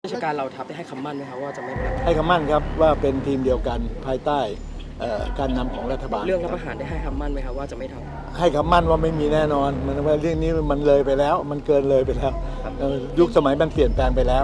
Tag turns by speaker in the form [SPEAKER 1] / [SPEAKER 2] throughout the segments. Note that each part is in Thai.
[SPEAKER 1] ราชการเราทัพได้ให้คำมั่นไหมครับว่าจะไม่ปรับ
[SPEAKER 2] ให้คำมั่นครับว่าเป็นทีมเดียวกันภายใต้การนำของรัฐบาล
[SPEAKER 1] เรื่องรัฐประหารได้ให้คำมั่นไหมครับว่าจะไม่ทำ
[SPEAKER 2] ให้คำมั่นว่าไม่มีแน่นอนมันว่าเรื่องนี้มันเลยไปแล้วมันเกินเลยไปแล้วยุคสมัยมันเปลี่ยนแปลงไปแล้ว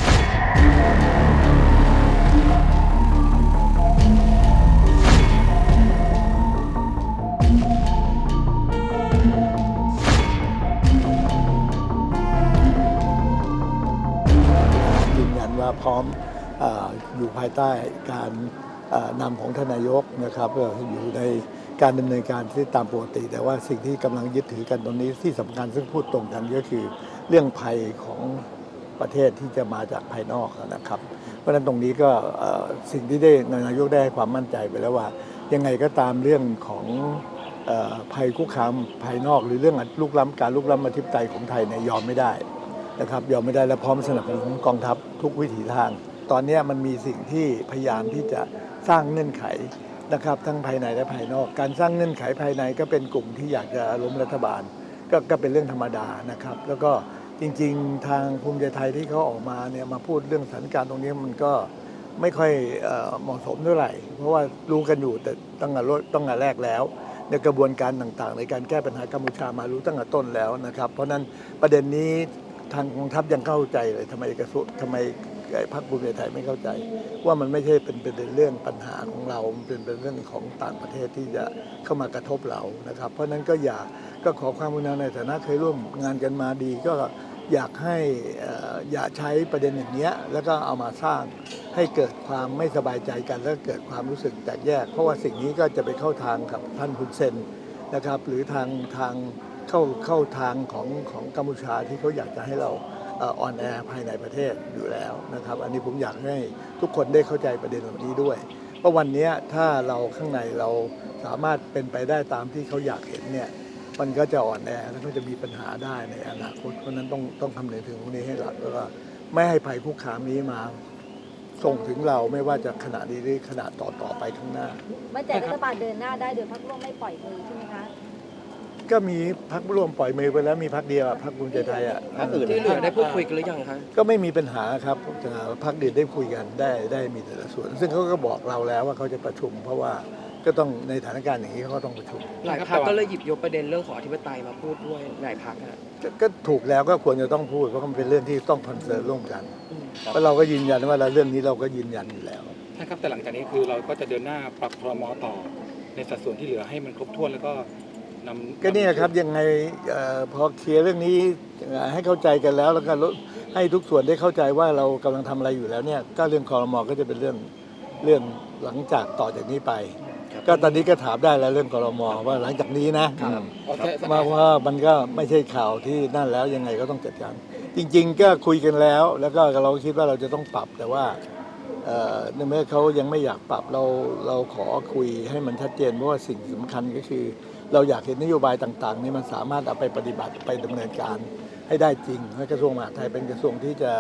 [SPEAKER 2] ยืนยันว่าพร้อมอยู่ภายใต้การนำของท่านนายกนะครับอยู่ในการดำเนินการที่ตามปกติแต่ว่าสิ่งที่กำลังยึดถือกันตรงนี้ที่สำคัญซึ่งพูดตรงกันก็คือเรื่องภัยของประเทศที่จะมาจากภายนอกนะครับเพราะฉะนั้นตรงนี้ก็สิ่งที่ได้นายกได้ให้ความมั่นใจไปแล้วว่ายังไงก็ตามเรื่องของภัยคุกคามภายนอกหรือเรื่องลุกล้ำการลุกล้ำอธิปไตยของไทยเนี่ยยอมไม่ได้นะครับยอมไม่ได้และพร้อมสนับสนุนกองทัพทุกวิถีทางตอนนี้มันมีสิ่งที่พยายามที่จะสร้างเงื่อนไขนะครับทั้งภายในและภายนอกการสร้างเงื่อนไขภายในก็เป็นกลุ่มที่อยากจะล้มรัฐบาลก็เป็นเรื่องธรรมดานะครับแล้วก็จริงๆทางภูมิใจไทยที่เขาออกมาเนี่ยมาพูดเรื่องสถานการณ์ตรงนี้มันก็ไม่ค่อยเหมาะสมเท่าไหร่เพราะว่ารู้กันอยู่แต่ตั้งแต่แรกแล้วในกระบวนการต่างๆในการแก้ปัญหากัมพูชามารู้ตั้งแต่ต้นแล้วนะครับเพราะนั้นประเด็นนี้ทางกองทัพยังเข้าใจเลยทำไมพรรคภูมิใจไทยไม่เข้าใจว่ามันไม่ใช่เป็นเรื่องปัญหาของเราเป็นเรื่องของต่างประเทศที่จะเข้ามากระทบเรานะครับเพราะนั้นก็ขอความกรุณาในฐานะเคยร่วมงานกันมาดีก็อยากให้อย่าใช้ประเด็นอย่างนี้แล้วก็เอามาสร้างให้เกิดความไม่สบายใจกันและเกิดความรู้สึกแตกแยกเพราะว่าสิ่งนี้ก็จะไปเข้าทางกับท่านฮุนเซนนะครับหรือทางเข้าทางของกัมพูชาที่เขาอยากจะให้เราออนแอร์ภายในประเทศอยู่แล้วนะครับอันนี้ผมอยากให้ทุกคนได้เข้าใจประเด็นเหล่านี้ด้วยเพราะวันนี้ถ้าเราข้างในเราสามารถเป็นไปได้ตามที่เขาอยากเห็นเนี่ยมันก็จะอ่อนแอแล้วก็จะมีปัญหาได้ในอนาคตเพราะนั้นต้องคำนึงถึงตรงนี้ให้หลักแล้วก็ไม่ให้ภัยคุกคามนี้มาส่งถึงเราไม่ว่าจะขณะนี้หรือขณะต่อไปข้างหน้า
[SPEAKER 3] มั่นใจรัฐบาลเดินหน้าได้โดยพรรคร่วมไม่ปล่อยมือใช่ไหมคะ
[SPEAKER 2] ก็มีพรรคร่วมปล่อยมือไปแล้วมีพรรคเดียวพรรคภูมิใจไทย
[SPEAKER 1] พรรคอื่นที่เหลือได้พูดคุยกันหรือยังครับ
[SPEAKER 2] ก็ไม่มีปัญหาครับพรรคอื่นได้คุยกันได้มีแต่ละส่วนซึ่งเขาก็บอกเราแล้วว่าเขาจะประชุมเพราะว่าก็ต้องในสถานการณ์อย่างนี้เขาก็ต้องประชุม
[SPEAKER 1] หลายพรรคก็เลยหยิบยกประเด็นเรื่องของอธิปไตยมาพูดด้วยหลายพรรค
[SPEAKER 2] ก็ถูกแล้วก็ควรจะต้องพูดเพราะมันเป็นเรื่องที่ต้องคอนเซิร์นร่วมกันเพราะเราก็ยืนยันว่าเรื่องนี้เราก็ยืนยันอยู่แล้ว
[SPEAKER 4] นะครับแต่หลังจากนี้คือเราก็จะเดินหน้าปรับครม.ต่อในสัดส่วนที่เหลือให้มันครบถ้วนแล้วก็
[SPEAKER 2] ก็นี่ครับยังไงพอเคลียร์เรื่องนี้ให้เข้าใจกันแล้วก็ให้ทุกส่วนได้เข้าใจว่าเรากำลังทำอะไรอยู่แล้วเนี่ยก็เรื่องครม.ก็จะเป็นเรื่องหลังจากต่อจากนี้ไปก็ตอนนี้ก็ถามได้แล้วเรื่องครม.ว่าหลังจากนี้นะว่ามันก็ไม่ใช่ข่าวที่นั่นแล้วยังไงก็ต้องจัดการจริงๆก็คุยกันแล้วก็เราคิดว่าเราจะต้องปรับแต่ว่าในเมื่อเขายังไม่อยากปรับเราขอคุยให้มันชัดเจนเพราะว่าสิ่งสำคัญก็คือเราอยากเห็นนโยบายต่างๆนี่มันสามารถเอาไปปฏิบัติไปดำเนินการให้ได้จริงให้กระทรวงมหาดไทยเป็นกระทรวงที่จะ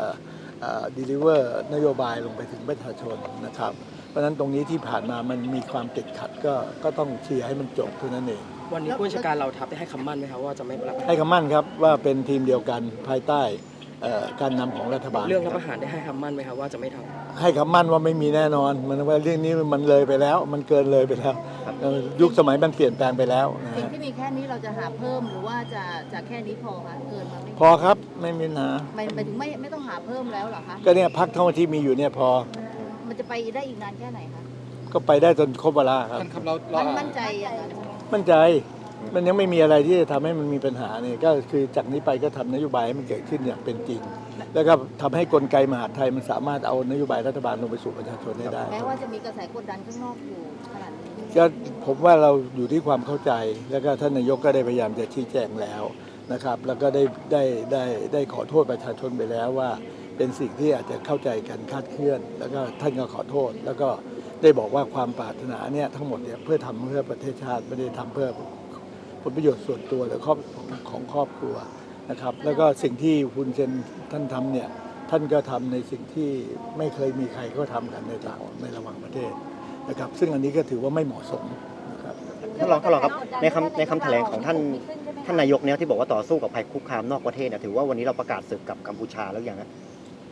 [SPEAKER 2] deliver นโยบายลงไปถึงประชาชนนะครับเพราะฉะนั้นตรงนี้ที่ผ่านมามันมีความติดขัดก็ต้องเคลียร์ให้มันจบเท่านั้นเอง
[SPEAKER 1] วันนี้ผู้ราชการเราทัพได้ให้คำมั่นไหมครับว่าจะไม่ปรับ
[SPEAKER 2] ให้คำมั่นครับว่าเป็นทีมเดียวกันภายใต้การนำของรัฐบาล
[SPEAKER 1] เรื่องรัฐประหารได้ให้คำมั่นไหมครับว่าจะไม่ทำ
[SPEAKER 2] ให้คำมั่นว่าไม่มีแน่นอนมันว่าเรื่องนี้มันเลยไปแล้วมันเกินเลยไปแล้วยุคสมัยมันเปลี่ยนแปลงไปแล้ว
[SPEAKER 3] สิ่งที่มีแค่นี้เราจะหาเพิ่มหรือว่าจะแค่นี้พอคะเกินมาไม่
[SPEAKER 2] พอครับไม่มีปัญหา
[SPEAKER 3] หมายถึงไม่ต้องหาเพิ่มแล้วเหรอคะ
[SPEAKER 2] ก็เนี่ยพรรคทั้งที่มีอยู่เนี่ยพอ
[SPEAKER 3] มันจะไปได้อีกนานแค่ไหนคะ
[SPEAKER 2] ก็ไปได้จนครบเวลาครับ
[SPEAKER 3] มั่นใจอย่างนั้น
[SPEAKER 2] มั่นใจมันยังไม่มีอะไรที่จะทำให้มันมีปัญหาเนี่ยก็คือจากนี้ไปก็ทำนโยบายให้มันเกิดขึ้นอย่างเป็นจริงแล้วก็ทำให้กลไกมหาดไทยมันสามารถเอานโยบายรัฐบาลลงไปสู่ประชาชนได้
[SPEAKER 3] แม้ว่าจะมีกระแสกดดันข้างนอกอยู่ขนาดนี้
[SPEAKER 2] ก็ผมว่าเราอยู่ที่ความเข้าใจแล้วก็ท่านนายกก็ได้พยายามจะชี้แจงแล้วนะครับแล้วก็ได้ขอโทษประชาชนไปแล้วว่าเป็นสิ่งที่อาจจะเข้าใจกันคลาดเคลื่อนแล้วก็ท่านก็ขอโทษแล้วก็ได้บอกว่าความปรารถนาเนี่ยทั้งหมดเนี่ยเพื่อทำเพื่อประเทศชาติไม่ได้ทำเพื่อผลประโยชน์ส่วนตัวหรือของครอบครัวนะครับแล้วก็สิ่งที่คุณเซนท่านทำเนี่ยท่านก็ทำในสิ่งที่ไม่เคยมีใครก็ทำกันในระหว่างประเทศนะครับซึ่งอันนี้ก็ถือว่าไม่เหมาะสมนะครับ
[SPEAKER 5] ท่านรองครับในคำแถลงของท่านนายกเนี่ยที่บอกว่าต่อสู้กับภัยคุกคามนอกประเทศเนี่ยถือว่าวันนี้เราประกาศศึกกับกัมพูชาแล้วอย่างนั้น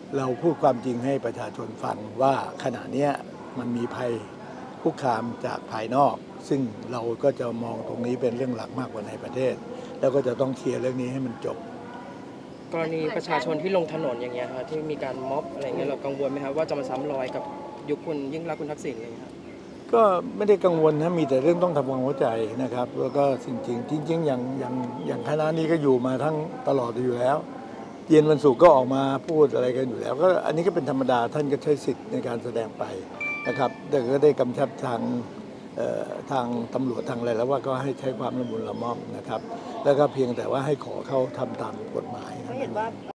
[SPEAKER 2] เราพูดความจริงให้ประชาชนฟังว่าขณะเนี้ยมันมีภัยคุกคามจากภายนอก ซึ่งเราก็จะมองตรงนี้เป็นเรื่องหลักมากกว่าในประเทศ แล้วก็จะต้องเคลียร์เรื่องนี้ให้มันจบ
[SPEAKER 1] กรณีประชาชนที่ลงถนนอย่างเงี้ยครับที่มีการม็อบอะไรเงี้ยเรากังวลไหมครับว่าจะมาซ้ำรอยกับยุคคุณยิ่งรักษณ์คุณทักษิณอะไรเงี้ยครับ
[SPEAKER 2] ก็ไม่ได้กังวลนะมีแต่เรื่องต้องทำความเข้าใจนะครับ แล้วก็จริงอย่างคณะนี้ก็อยู่มาทั้งตลอดอยู่แล้ว เย็นวันศุกร์ก็ออกมาพูดอะไรกันอยู่แล้วก็อันนี้ก็เป็นธรรมดาท่านก็ใช้สิทธิ์ในการแสดงไปนะครับแต่ก็ได้กำชับทางตำรวจทางอะไรแล้วว่าก็ให้ใช้ความละมุนละม่อมนะครับ แล้วก็เพียงแต่ว่าให้ขอเขาทำตามกฎหมายนะ